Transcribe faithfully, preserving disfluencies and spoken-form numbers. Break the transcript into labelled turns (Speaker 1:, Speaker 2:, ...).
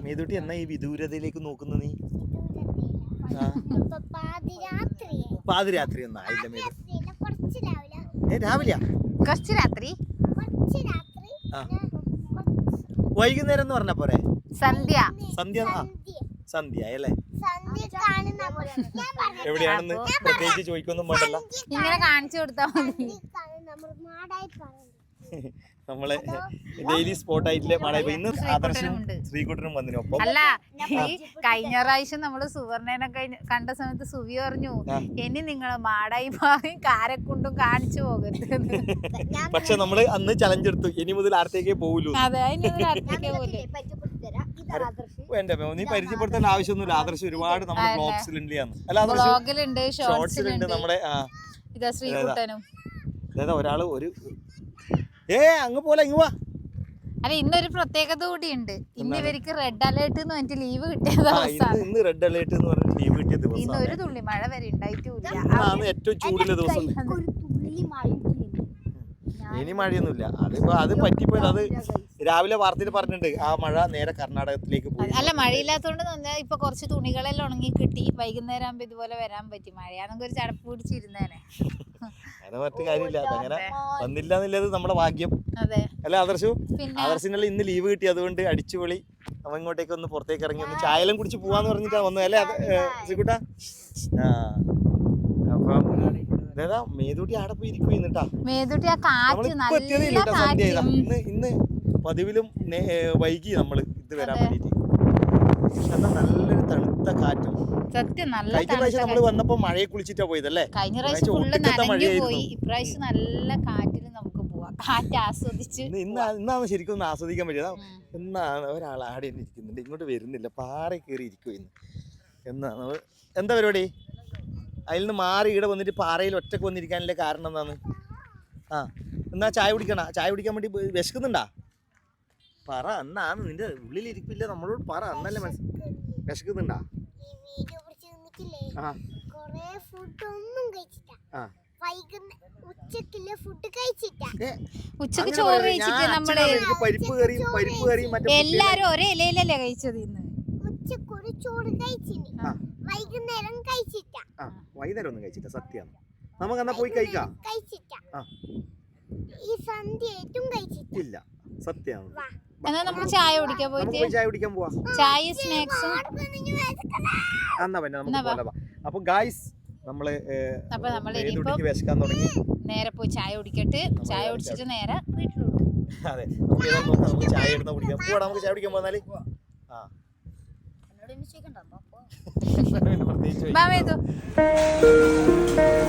Speaker 1: മേതുട്ടി എന്നാ ഈ വിദൂരതയിലേക്ക് നോക്കുന്ന നീ? പാതിരാത്രി ഒന്നും ആയില്ല മേതു. ഏ രാവിലെയാ?
Speaker 2: കുറച്ച് രാത്രി
Speaker 1: വൈകുന്നേരം എന്ന് പറഞ്ഞ പോരെ?
Speaker 2: സന്ധ്യ
Speaker 1: സന്ധ്യ സന്ധ്യ അല്ലേ? എവിടെയാണെന്ന് പ്രത്യേകിച്ച് ചോദിക്കൊന്നും വേണ്ടല്ല,
Speaker 2: ഇങ്ങനെ കാണിച്ചു കൊടുത്താ മതി.
Speaker 1: നമ്മളെ ഡെയിലി സ്പോട്ട് ആയിട്ടില്ലേ മഴ. ഇന്ന് ആദർശനും ശ്രീകുട്ടനും വന്നിനൊപ്പം.
Speaker 2: അല്ല, ഈ കഴിഞ്ഞ പ്രാവശ്യം നമ്മള് സുവർണേനെ കണ്ട സമയത്ത് സുവി പറഞ്ഞു ഇനി നിങ്ങള് മാടായി മാറി കാരക്കുണ്ടും കാണിച്ചു പോകരുത്.
Speaker 1: പക്ഷെ നമ്മള് അന്ന് ചലഞ്ച് എടുത്തു, ഇനി മുതൽ അടുത്തേക്കേ പോവുള്ളൂ.
Speaker 2: അതെ, അടുത്തേക്കേ പോലൂ.
Speaker 1: വേണ്ട, നീ പരിചയപ്പെടുത്തേണ്ട ആവശ്യമൊന്നുമില്ല. ആദർശം ഒരുപാട് നമ്മുടെ ബ്ലോഗ്സിലുണ്ട്,
Speaker 2: ബ്ലോഗിലുണ്ട്,
Speaker 1: ഷോർട്സിലുണ്ട്. നമ്മുടെ
Speaker 2: ഇതാ ശ്രീകുട്ടനും
Speaker 1: അതായത് ഒരാള് ഒരു ഏ അങ്ങ് പോലെ ഇങ്ങ് വാ.
Speaker 2: അല്ല, ഇന്നൊരു പ്രത്യേകത കൂടി ഉണ്ട്. ഇന്ന് ഇവർക്ക് റെഡ് അലേർട്ട് എന്ന് പറഞ്ഞിട്ട് ലീവ് കിട്ടിയ ദിവസമാണ്.
Speaker 1: ഇന്ന് റെഡ് അലേർട്ട് എന്ന് പറഞ്ഞിട്ട് ലീവ് കിട്ടിയ ദിവസം.
Speaker 2: ഇന്ന് ഒരു തുള്ളി മഴ വരെ ഉണ്ടായിട്ടില്ല.
Speaker 1: ഏറ്റവും ചൂടുള്ള ദിവസം. ഇനി മഴയൊന്നുമില്ല. അതിപ്പോ അത് പറ്റിപ്പോയത് അത് രാവിലെ വാർത്തയിൽ പറഞ്ഞിട്ടുണ്ട്, ആ മഴ നേരെ കർണാടകത്തിലേക്ക് പോയി.
Speaker 2: അല്ല, മഴയില്ലാത്തോണ്ട് ഇപ്പൊ കുറച്ച് തുണികളെല്ലാം ഉണങ്ങി കിട്ടി. വൈകുന്നേരം ആകുമ്പോ ഇതുപോലെ വരാൻ പറ്റി. മഴയാണെങ്കിൽ ഒരു ചടപ്പ് പിടിച്ചിരുന്നേനെ.
Speaker 1: അങ്ങനെ മറ്റു കാര്യമില്ല, അതങ്ങനെ വന്നില്ല എന്നുള്ളത് നമ്മുടെ ഭാഗ്യം
Speaker 2: അതെ
Speaker 1: അല്ല ആദർശു? ആദർശിനല്ല ഇന്ന് ലീവ് കിട്ടി, അതുകൊണ്ട് അടിച്ചുപൊളി അവൻ ഇങ്ങോട്ടേക്ക് ഒന്ന് പുറത്തേക്ക് ഇറങ്ങി ഒന്ന് ചായലും കുടിച്ച് പോവാന്ന് പറഞ്ഞിട്ടാ വന്നത് അല്ലേ ശ്രീകുട്ട? ആ അപ്പം ഇതേതാ മേതുട്ടി ആടെ പോയി ഇരിക്കുന്നുട്ടാ. സന്ധ്യ ഇന്ന് ഇന്ന് പതിവിലും വൈകി നമ്മള് ഇത് വരാൻ വേണ്ടിട്ട്. എന്നാ നല്ലൊരു തണുത്ത കാറ്റും. കഴിഞ്ഞ പ്രാവശ്യം നമ്മള് വന്നപ്പോ മഴയെ കുളിച്ചിട്ടാ പോയതല്ലേ?
Speaker 2: കഴിഞ്ഞ പ്രാവശ്യം ഫുള്ള് നനഞ്ഞു പോയി. ഇപ്രാവശ്യം നല്ല കാറ്റിൽ നമുക്ക് പോവാം, കാറ്റ് ആസ്വദിച്ച്.
Speaker 1: ഇന്ന് ഇന്നാണ് ശരിക്കും ഒന്ന് ആസ്വദിക്കാൻ പറ്റിയത്. എന്നാണ് ഒരാൾ ആടെ ഇരിക്കുന്നുണ്ട്, ഇങ്ങോട്ട് വരുന്നില്ല, പാറ കയറി ഇരിക്കും ഇന്ന്. എന്നാണ് എന്താ പരിപാടി? അതിൽ നിന്ന് മാറി ഇവിടെ വന്നിട്ട് പാറയിൽ ഒറ്റക്ക് വന്നിരിക്കാനുള്ള കാരണം എന്താണ്? ആ എന്നാ ചായ കുടിക്കണ? ചായ കുടിക്കാൻ വേണ്ടി വിശക്കുന്നുണ്ടാ? പറ, എന്നാണ് നിന്റെ ഉള്ളിലിരിപ്പില്ല, നമ്മളോട് പറ. എന്നല്ലേ മനസ്സ് വിശക്കുന്നുണ്ടാ?
Speaker 2: ഉച്ചക്ക് ചോറ് കഴിച്ചിട്ട് നമ്മള്
Speaker 1: പരിപ്പ് കറിയും പരിപ്പ് കറിയും
Speaker 2: എല്ലാരും ഒരേ ഇലയിലല്ലേ കഴിച്ചത്. ഇന്ന്
Speaker 1: വൈകുന്നേരം കഴിച്ചിട്ടാ. വൈകുന്നേരം ഒന്നും കഴിച്ചില്ല, സത്യമാണ്. നമുക്ക് എന്നാ പോയി കഴിക്കാം. ഇല്ല, സത്യമാണ്.
Speaker 2: എന്നാ നമ്മൾ ചായ കുടിക്കാൻ പോയിട്ട്
Speaker 1: ചായ കുടിക്കാൻ പോവാ.
Speaker 2: ചായ സ്നാക്സും
Speaker 1: എന്നാ പിന്നെ നമുക്ക് പോകാം. അപ്പൊ ഗായ്സ് നമ്മള് വിശക്കാൻ തുടങ്ങി.
Speaker 2: നേരെ പോയി ചായ കുടിക്കട്ട്. ചായ കുടിച്ചിട്ട് നേരെ വീട്ടിലോട്ട്.
Speaker 1: അതെ, നമുക്ക് ചായ എടുത്താ കുടിക്കാം. പോവാ, നമുക്ക് ചായ കുടിക്കാൻ പോന്നാല്. ആ
Speaker 2: പ്രത്യേകിച്ച്